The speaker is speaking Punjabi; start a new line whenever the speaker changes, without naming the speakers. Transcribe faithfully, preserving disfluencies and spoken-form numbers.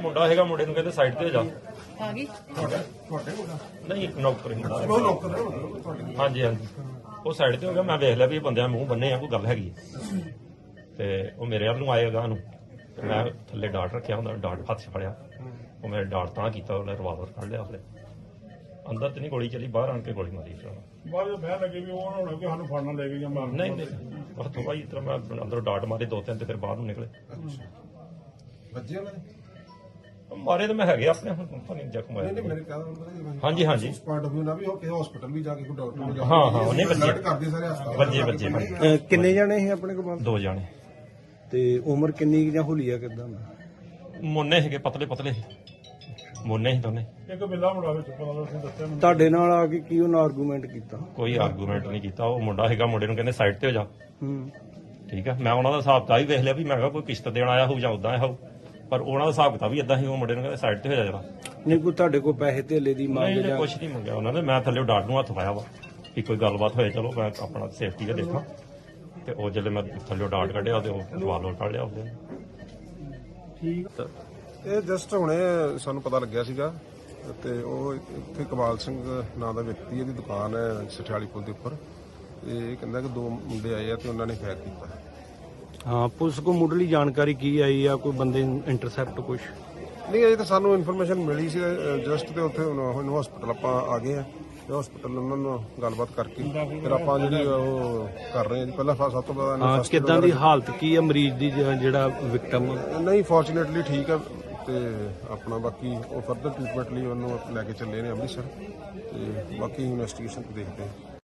ਮੁੰਡਾ ਹੈਗਾ, ਮੁੰਡੇ ਨੂੰ ਕਹਿੰਦੇ ਸਾਈਡ ਤੇ ਹੋ ਜਾ।
ਆ ਗਈ
ਨਹੀਂ ਨੌਕਰ ਹੁੰਦਾ। ਹਾਂਜੀ ਹਾਂਜੀ ਉਹ ਸਾਈਡ ਤੇ ਹੋ ਗਿਆ। ਮੈਂ ਵੇਖ ਲਿਆ ਵੀ ਇਹ ਬੰਦਿਆਂ ਮੂੰਹ ਬੰਨੇ ਆ, ਕੋਈ ਗੱਲ ਹੈਗੀ ਤੇ ਉਹ ਮੇਰੇ ਵੱਲ ਨੂੰ ਆਏਗਾ ਨੂੰ ਮੈਂ ਥੱਲੇ ਡਾਟ ਰੱਖਿਆ ਹੁੰਦਾ, ਡਾਟ ਹੱਥ 'ਚ ਫੜਿਆ। ਉਹ ਮੇਰੇ ਡਾਟ ਤਾਂ ਕੀਤਾ, ਉਹਨੇ ਰਿਵਾਲਵਰ ਕੱਢ ਲਿਆ। ਉਹਨੇ ਅੰਦਰ ਤੇ ਨਹੀਂ ਗੋਲੀ ਚੱਲੀ, ਬਾਹਰ ਆਣ ਕੇ ਗੋਲੀ ਮਾਰੀ।
ਬਾਅਦ ਵਿੱਚ ਬਹਿ ਲੱਗੇ ਵੀ ਉਹ ਨਾ ਹੋਣਾ ਕਿ ਸਾਨੂੰ ਫੜਨਾ ਲੈ ਕੇ ਜਾਂ ਮਾਰਨ।
ਨਹੀਂ ਨਹੀਂ ਹੱਥੋਂ ਭਾਈ ਇਸ ਤਰ੍ਹਾਂ ਮੈਂ ਅੰਦਰੋਂ ਡਾਟ ਮਾਰੇ ਦੋ ਤਿੰਨ ਤੇ ਫਿਰ ਬਾਹਰ ਨੂੰ ਨਿਕਲੇ।
ਵੱਜੇ ਉਹਨਾਂ ਨੇ
ਮਾਰੇ ਤਾਂ ਮੈਂ ਹੈਗੇ ਆਪਣੇ, ਹੁਣ ਪਤਾ ਨਹੀਂ ਜ਼ਖਮ
ਨਹੀਂ
ਆਇਆ।
ਮੇਰੇ ਕਹਿੰਦਾ
ਹਾਂਜੀ ਹਾਂਜੀ
ਪੁਆਇੰਟ ਆਫ ਵਿਊ ਨਾ ਵੀ ਉਹ ਕਿਸੇ ਹਸਪੀਟਲ ਵੀ ਜਾ ਕੇ ਕੋਈ ਡਾਕਟਰ ਨੂੰ ਜਾ
ਹਾਂ ਹਾਂ ਉਹਨੇ
ਅਲਰਟ
ਵੱਜੇ
ਕਰਦੇ ਸਾਰੇ ਹਸਪਤਾਲ
ਵੱਜੇ ਵੱਜੇ ਭਾਈ।
ਕਿੰਨੇ ਜਾਣੇ ਸੀ ਆਪਣੇ ਕੋਲ?
ਦੋ ਜਾਣੇ
ਤੇ ਉਮਰ ਕਿੰਨੀ ਕੁ ਜਾਂ ਹੁਲੀਆ ਕਿਦਾਂ?
ਮੋਨੇ ਹੈਗੇ, ਪਤਲੇ ਪਤਲੇ ਮੋਨੇ ਸੀ ਦੋਨੇ।
ਇੱਕ ਬਿੱਲਾ ਮੁੰਡਾ ਵਿੱਚ ਪਤਾ ਲੱਗ ਦੱਸਿਆ ਮੈਨੂੰ।
ਤੁਹਾਡੇ ਨਾਲ ਆ ਕੇ ਕੀ ਉਹਨਾਂ ਆਰਗੂਮੈਂਟ ਕੀਤਾ?
ਕੋਈ ਆਰਗੂਮੈਂਟ ਨਹੀਂ ਕੀਤਾ। ਉਹ ਮੁੰਡਾ ਹੈਗਾ, ਮੁੰਡੇ ਨੂੰ ਕਹਿੰਦੇ ਸਾਈਡ ਤੇ ਹੋ ਜਾ।
ਹੂੰ
ਠੀਕ ਆ, ਮੈਂ ਉਹਨਾਂ ਦਾ ਹਿਸਾਬ ਤਾਂ ਹੀ ਵੇਖ ਲਿਆ ਵੀ ਮੈਂ ਕਿਹਾ ਕੋਈ ਕਿਸ਼ਤ ਦੇਣ ਆਇਆ ਹੋਊ ਜਾਂ ਉਦਾਂ ਆਇਆ ਹੋਊ, ਪਰ ਉਹਨਾਂ ਦਾ ਹਿਸਾਬ ਕਿਤਾਬ ਵੀ ਇਦਾਂ ਹੀ। ਉਹ ਮੁੰਡੇ ਨੂੰ ਕਹਿੰਦੇ ਸਾਈਡ ਤੇ ਹੋ ਜਾ ਜਰਾ।
ਨਹੀਂ ਕੋਈ ਤੁਹਾਡੇ ਕੋਲ ਪੈਸੇ ਧੇਲੇ ਦੀ ਮੰਗ
ਨਹੀਂ
ਜਾਂ?
ਕੁਝ ਨਹੀਂ ਮੰਗਿਆ ਉਹਨਾਂ ਨੇ। ਮੈਂ ਥੱਲੇ ਡਾਟ ਨੂੰ ਹੱਥ ਪਾਇਆ ਵਾ ਕਿ ਕੋਈ ਗੱਲਬਾਤ ਹੋਏ, ਚਲੋ ਮੈਂ ਆਪਣਾ ਸੇਫਟੀ ਦਾ ਦੇਖਾਂ। ਤੇ ਉਹ ਜਦੋਂ ਮੈਂ ਥੱਲੇ ਡਾਟ ਕੱਢਿਆ ਤੇ ਉਹ ਰਿਵਾਲਵਰ ਕੱਢ ਲਿਆ ਉਹਦੇ।
ਠੀਕ
ਇਹ ਜਸਟ ਹੁਣੇ ਸਾਨੂੰ ਪਤਾ ਲੱਗਿਆ ਸੀਗਾ ਤੇ ਉਹ ਇੱਥੇ ਕਮਾਲ ਸਿੰਘ ਨਾਂ ਦਾ ਵਿਅਕਤੀ, ਇਹਦੀ ਦੁਕਾਨ ਹੈ ਸਠਿਆਲੀ ਪੁਲ ਦੇ ਉੱਪਰ। ਤੇ ਇਹ ਕਹਿੰਦਾ ਕਿ ਦੋ ਮੁੰਡੇ ਆਏ ਆ ਤੇ ਉਹਨਾਂ ਨੇ ਫਾਇਰ ਕੀਤਾ।
ਹਾਂ ਪੁਲਿਸ ਕੋਲ ਮੁੱਢਲੀ ਜਾਣਕਾਰੀ ਕੀ ਆਈ ਆ? ਕੋਈ ਬੰਦੇ ਇੰਟਰਸੈਪਟ ਕੁਛ?
ਨਹੀਂ ਅਜੇ ਤਾਂ ਸਾਨੂੰ ਇਨਫੋਰਮੇਸ਼ਨ ਮਿਲੀ ਸੀ ਜਸਟ, ਤੇ ਉੱਥੇ ਹੁਣ ਹਸਪੀਟਲ ਆਪਾਂ ਆ ਗਏ ਆ ਤੇ ਹਸਪੀਟਲ ਉਹਨਾਂ ਨੂੰ ਗੱਲਬਾਤ ਕਰਕੇ ਫਿਰ ਆਪਾਂ ਜਿਹੜੀ ਉਹ ਕਰ ਰਹੇ ਹਾਂ ਜੀ। ਪਹਿਲਾਂ ਸਭ ਤੋਂ ਪਹਿਲਾਂ
ਹਾਂ
first
ਕਿਦਾਂ ਦੀ ਹਾਲਤ ਕੀ ਆ ਮਰੀਜ਼ ਦੀ, ਜ- ਜਿਹੜਾ ਵਿਕਟਮ?
ਨਹੀਂ ਫੋਰਚੂਨੇਟਲੀ ਠੀਕ ਆ ਤੇ ਆਪਣਾ ਬਾਕੀ ਉਹ ਫਰਦਰ ਟ੍ਰੀਟਮੈਂਟ ਲਈ ਉਹਨੂੰ ਲੈ ਕੇ ਚੱਲੇ ਨੇ ਅੰਮ੍ਰਿਤਸਰ ਤੇ ਬਾਕੀ ਇਨਵੈਸਟੀਗੇਸ਼ਨ ਦੇਖਦੇ ਹਾਂ।